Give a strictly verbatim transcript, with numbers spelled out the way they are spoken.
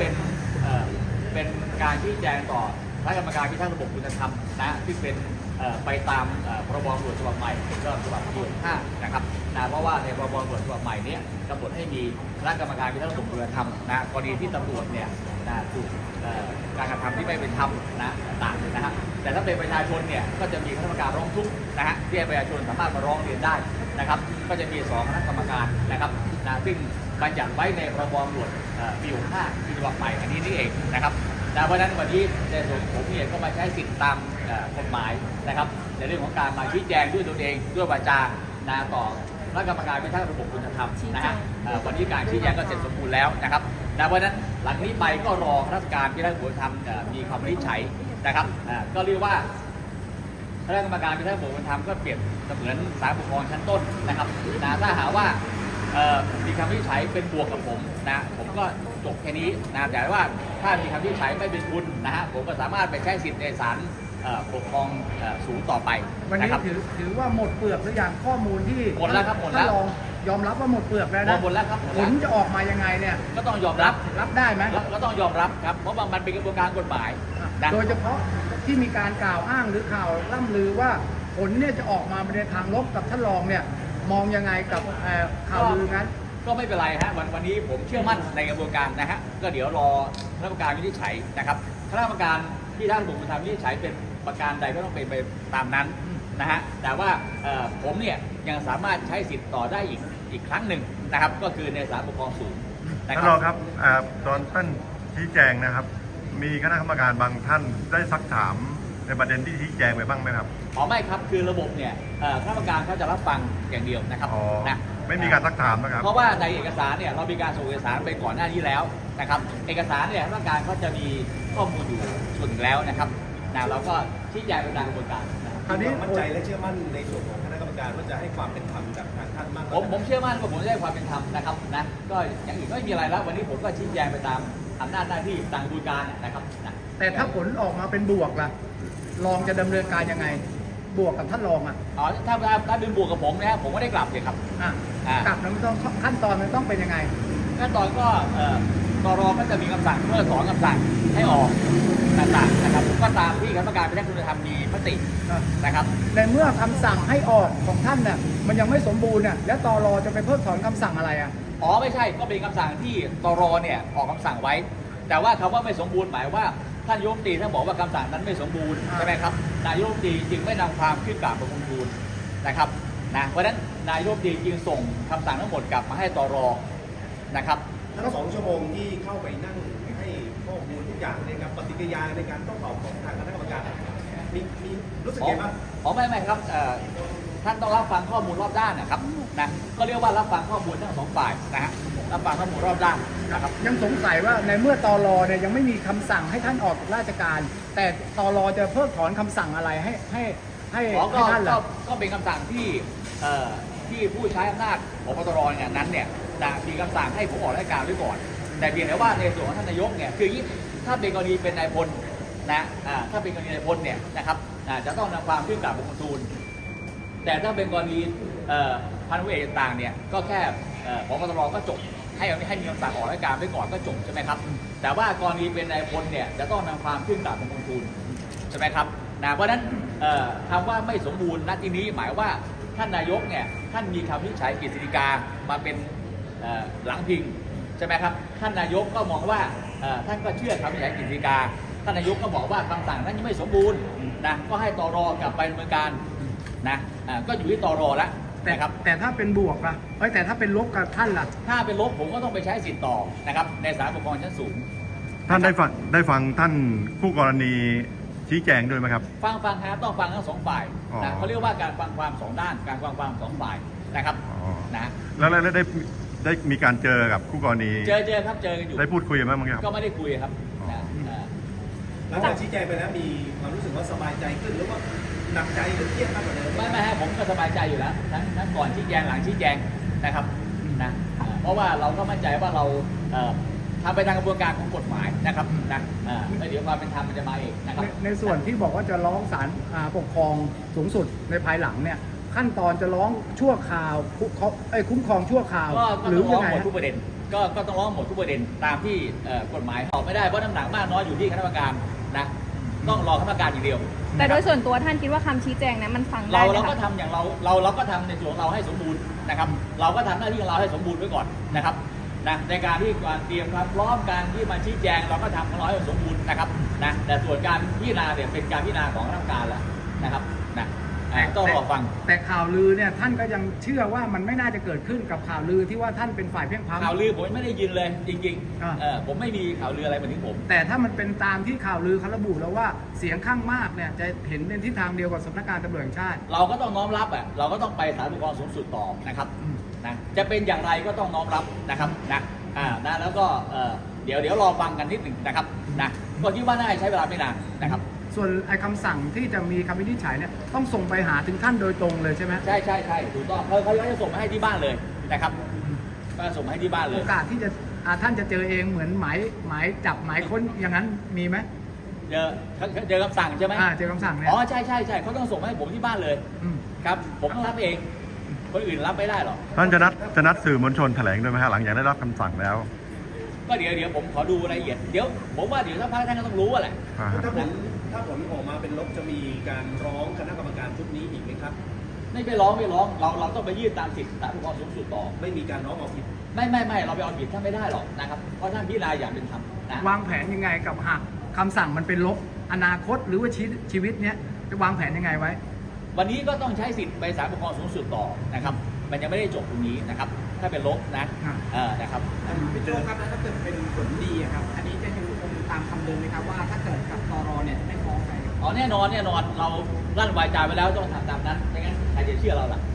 เป็นเอ่อเป็นการชี้แจงต่อคณะกรรมการพิทักษ์ระบบคุณธรรมนะที่เป็นไปตามพรบตำรวจฉบับใหม่ก็ฉบับที่ห้านะครับนะเพราะว่าในพรบตำรวจฉบับใหม่นี้กำหนดให้มีคณะกรรมการพิทักษ์ระบบคุณธรรมนะกรณีที่ตำรวจเนี่ยนะถูกการกระทำที่ไม่เป็นธรรมนะต่างๆนะฮะแต่ถ้าเป็นประชาชนเนี่ยก็จะมีคณะกรรมการร้องทุกข์นะฮะที่ประชาชนสามารถมาร้องเรียนได้นะครับก็จะมีสองคณะกรรมการนะครับนะซึ่งบัญญัติไว้ในพรบตำรวจปีหกห้าฉบับใหม่อันนี้นี่เองนะครับเพราะฉะนั้นวันนี้ในส่วนผมเนี่ยก็มาใช้สิทธิตามกฎหมายนะครับในเรื่องของการมาชี้แจงด้วยตนเองด้วยวาจานะต่อคณะกรรมการพิทักษ์ระบบคุณธรรมนะฮะวันนี้การชี้แจงก็เสร็จสมบูรณ์แล้วนะครับนะเพราะฉะนั้นหลังนี้ไปก็รอคณะกรรมการพิทักษ์ระบบคุณธรรมมีคำวินิจฉัยนะครับก็เรียกว่าคณะกรรมการพิทักษ์ระบบคุณธรรมก็เปรียบเสมือนศาลปกครองชั้นต้นนะครับนะถ้าหาว่ามีคำวินิจฉัยเป็นบวกกับผมนะผมก็จบแค่นี้นะแต่ว่าถ้ามีคำวินิจฉัยไม่เป็นคุณนะฮะผมก็สามารถไปใช้สิทธิ์ในศาลปกครองสูงต่อไปวันนี้ถือถือว่าหมดเปลือกหรือยังข้อมูลที่หมดแล้วครับหมดแล้วยอมรับว่าหมดเปลือกแล้วนะหมดแล้วครับผลจะออกมายังไงเนี่ยก็ต้องยอมรับรับได้ไหมก็ต้องยอมรับครับเพราะว่ามันเป็นกระบวนการกฎหมายโดยเฉพาะที่มีการกล่าวอ้างหรือข่าวล่ำลือว่าผลเนี่ยจะออกมาในทางลบกับท่านรองเนี่ยมองยังไงกับข่าวลือนั้นก็ไม่เป็นไรฮะวันวันนี้ผมเชื่อมั่นในกระบวนการนะฮะก็เดี๋ยวรอคณะกรรมการวินิจฉัยนะครับคณะกรรมการที่ท่านบุคคลทำวินิจฉัยเป็นประการใดก็ต้องเป็นไปตามนั้นนะฮะแต่ว่าผมเนี่ยยังสามารถใช้สิทธิ์ต่อได้อีกอีกครั้งหนึ่งนะครับก็คือในศาลปกครองสูงท่านรองครับตอนท่านชี้แจงนะครับมีคณะกรรมการบางท่านได้ซักถามในประเด็นที่ชี้แจงไปบ้างไหมครับอ๋อไม่ครับคือระบบเนี่ยคณะกรรมการเขาจะรับฟังอย่างเดียวนะครับนะไม่มีการซักถามนะครับเพราะว่าในเอกสารเนี่ยเรามีการส่งเอกสารไปก่อนหน้านี้แล้วนะครับเอกสารเนี่ยคณะกรรมการเขาจะมีข้อมูลอยู่ส่วนหนึ่งแล้วนะครับนะเราก็ชี้แจงไปตามกระบวนการคราวนี้มั่นใจและเชื่อมั่นในส่วนของคณะกรรมการว่าจะให้ความเป็นธรรมกับทางท่านมากผมผมเชื่อมั่นว่าผมจะได้ความเป็นธรรมนะครับนะก็อย่างอื่นก็ไม่มีอะไรแล้ววันนี้ผมก็ชี้แจงไปตามอำนาจหน้าที่ตามกระบวนการนะครับนะแต่ถ้าผลออกมาเป็นบวกล่ะรองจะดำเนินการยังไงบวกกับท่านรองอ่ะอ๋อถ้าถ้าเป็นบวกกับผมนะครับผมก็ได้กลับเลยครับอ่ากลับแล้วมันต้องขั้นตอนมันต้องเป็นยังไงขั้นตอนก็เอ่อตรก็จะมีคำสั่งเพื่อถอนคำสั่งให้ออกต่างๆนะครับก็ตามที่คณะกรรมการพิทักษ์คุณธรรมมีมตินะครับในเมื่อคำสั่งให้ออกของท่านเนี่ยมันยังไม่สมบูรณ์เนี่ยแล้วตรจะไปเพิกถอนคำสั่งอะไรอ่ะอ๋อไม่ใช่ก็เป็นคำสั่งที่ตรเนี่ยออกคำสั่งไว้แต่ว่าคำว่าไม่สมบูรณ์หมายว่าท่านนายกรัฐมนตรีท่านบอกว่าคำสั่งนั้นไม่สมบูรณ์ใช่ไหมครับนายกรัฐมนตรีจึงไม่นำความขึ้นกราบประชุมทูลนะครับนะเพราะฉะนั้นนายกรัฐมนตรีจึงส่งคำสั่งทั้งหมดกลับมาให้ตรนะครับทั้งสองชั่วโมงที่เข้าไปนั่งให้ข้อมูลทุกอย่างในการปฏิกิริยาในการต้องตอบของทางคณะกรรมการมีมีรู้สึกยังไงบ้างอ๋อไม่ไม่ครับท่านต้องรับฟังข้อมูลรอบด้านนะครับนะก็เรียกว่ารับฟังข้อมูลทั้งสองฝ่ายนะฮะรับฟังข้อมูลรอบด้านนะครับยังสงสัยว่าในเมื่อตรเนี่ยยังไม่มีคำสั่งให้ท่านออกจากราชการแต่ตรจะเพิกถอนคำสั่งอะไรให้ให้ให้ให้ท่านล่ะก็เป็นคำสั่งที่ที่ผู้ใช้อำนาจของปตรเนี่ยนั้นเนี่ยมีคำสั่งให้ผมออกราชการไว้ก่อนแต่เพียงแต่ว่าในส่วนของท่านนายกเนี่ยคือถ้าเป็นกรณีเป็นนายพลนะถ้าเป็นกรณีนายพลเนี่ยนะครับจะต้องนำความขึ้นกราบบังคมทูลแต่ถ้าเป็นกรณีพันธุ์เอกต่างเนี่ยก็แค่ของปตรก็จบให้ให้มีคำสั่งออกราชการไว้ก่อนก็จบใช่ไหมครับแต่ว่ากรณีเป็นนายพลเนี่ยจะต้องนำความขึ้นกราบบังคมทูลใช่ไหมครับนะเพราะฉะนั้นคำว่าไม่สมบูรณ์ณที่นี้หมายว่าท่านนายกเนี่ยท่านมีคำวินิจฉัยกฤษฎีกามาเป็นหลังพิงใช่ไหมครับท่านนายกก็มองว่าท่านก็เชื่อคำวินิจฉัยกฤษฎีกาท่านนายกก็บอกว่าคำสั่งนั้นยังไม่สมบูรณ์นะก็ให้ตรกลับไปดำเนินการนะก็อยู่ที่ตรแล้วแต่ครับแต่ถ้าเป็นบวกล่ะเอ้ยแต่ถ้าเป็นลบกับท่านล่ะถ้าเป็นลบผมก็ต้องไปใช้สิทธิ์ต่อนะครับในศาลปกครองชั้นสูงท่านได้ฟังได้ฟังท่านผู้กรณีชี้แจงด้วยไหมครับฟังฟังครับต้องฟังทั้งสองฝ่ายนะเขาเรียกว่าการฟังความสองด้านการฟังความสองฝ่ายนะครับนะแล้วแล้วได้ได้มีการเจอกับคู่กรณีเจอเจอครับเจอกันอยู่ได้พูดคุยกันบ้างไหมครับก็ไม่ได้คุยครับหลังจากชี้แจงไปแล้วมีความรู้สึกว่าสบายใจขึ้นหรือว่าหนักใจหรือเครียดมากกว่าเดิมไม่ไม่ฮะผมก็สบายใจอยู่แล้วทั้งทั้งก่อนชี้แจงหลังชี้แจงนะครับนะเพราะว่าเราก็มั่นใจว่าเราทำไปตามกระบวนการของกฎหมายนะครับนะแล้วเดี๋ยวความเป็นธรรมมันจะมาเองนะครับในส่วนที่บอกว่าจะร้องศาลปกครองสูงสุดในภายหลังเนี่ยขั้นตอนจะร้องชั่วคราวคุ้มครองชั่วคราวหรือยังไงทุกประเด็นก็ก็ต้องร้องหมดทุกประเด็นตามที่เอ่อกฎหมายตอบไม่ได้เพราะน้ำหนักมากน้อยอยู่ที่คณะกรรมการนะต้องรอคณะกรรมการอย่างเดียวแต่โดยส่วนตัวท่านคิดว่าคำชี้แจงนั้นมันฟังได้เราไหมเราคะก็ทำอย่างเราเราเราก็ทำในส่วนของเราให้สมบูรณ์นะครับ เราก็ทำหน้าที่ของเราให้สมบูรณ์ไว้ก่อนนะครับนะในการที่การเตรียมความพร้อมการที่มาชี้แจงเราก็ทำของเราให้สมบูรณ์นะครับนะแต่ส่วนการพิจารณาเนี่ยเป็นการพิจารณาของคณะกรรมการแล้วนะครับนะอ่าต้องรอฟังแต่ข่าวลือเนี่ยท่านก็ยังเชื่อว่ามันไม่น่าจะเกิดขึ้นกับข่าวลือที่ว่าท่านเป็นฝ่ายเพียงพำข่าวลือผมไม่ได้ยินเลยจริงอ่าๆเออผมไม่มีข่าวลืออะไรมาถึงผมแต่ถ้ามันเป็นตามที่ข่าวลือเขาระบุแล้วว่าเสียงข้างมากเนี่ยจะเห็นในทิศทางเดียวกับสำนักงานตำรวจแห่งชาติเราก็ต้องน้อมรับอ่ะเราก็ต้องไปศาลปกครองสูงสุดต่อนะครับอืมนะจะเป็นอย่างไรก็ต้องน้อมรับนะครับนะอ่านะแล้วก็เอ่อเดี๋ยวเดี๋ยวรอฟังกันนิดหนึ่งนะครับนะก็คิดว่าน่าจะใช้เวลาไม่นานนะครับส่วนไอ้คำสั่งที่จะมีคำวินิจฉัยเนี่ยต้องส่งไปหาถึงท่านโดยตรงเลยใช่ไหมใช่ใช่ใช่ถูกต้องเขาเขาจะส่งมาให้ที่บ้านเลยนะครับก็ส่งมาให้ที่บ้านเลโอย กาสที่จะอ่าท่านจะเจอเองเหมือนหมายหมายจับหมายค้นอย่างนั้นมีไหมเจอเจอคำสั่งใช่ไหมอ่าเจอคำสั่งเนี่ยอ๋อใช่ใช่ใช่เขาต้องส่งมาให้ผมที่บ้านเลยอืมครับผมต้องรับเองคนอื่นรับไม่ได้หรอกท่านจะนัดจะนัดสื่อมวลชนแถลงด้วยไหมฮะหลังจากได้รับคำสั่งแล้วก็เดี๋ยวเดี๋ยวผมขอดูรายละเอียดเดี๋ยวผมว่าเดี๋ยวถ้าพักท่านก็ต้องรู้อะแหละอ่าฮะถ้าผลถ้าผลออกมาเป็นลบจะมีการร้องคณะกรรมการชุดนี้อีกไหมครับไม่ไปร้องไม่ร้องเราเราต้องไปยื่นตามสิทธิศาลปกครองสูงสุดต่อไม่มีการร้องเอาผิดไม่ไม่ไม่เราไปเอาผิดท่านไม่ได้หรอกนะครับเพราะท่านพิจารณาอย่างเป็นธรรมนะวางแผนยังไงกับหากคำสั่งมันเป็นลบอนาคตหรือว่าชีวิตชีวิตเนี้ยจะวางแผนยังไงไว้วันนี้ก็ต้องใช้สิทธิ์ไปศาลปกครองสูงสุดต่อนะครับมันยังไม่ได้จบตรงนี้นะครับถ้าเป็นลบนะอ่าเออนะครับพี่โจ้ครับแล้วถ้าเกิดเป็นผลดีอะครับ อันนี้จะยังคงตามคำเดิมไหมครับว่าถ้าเกิดกับตรเนี่ยไม่ฟ้องใครอ๋อแน่นอนแน่นอนเราลั่นวาจาไปแล้วต้องทำตามนั้นไม่งั้นใครจะเชื่อเราล่ะ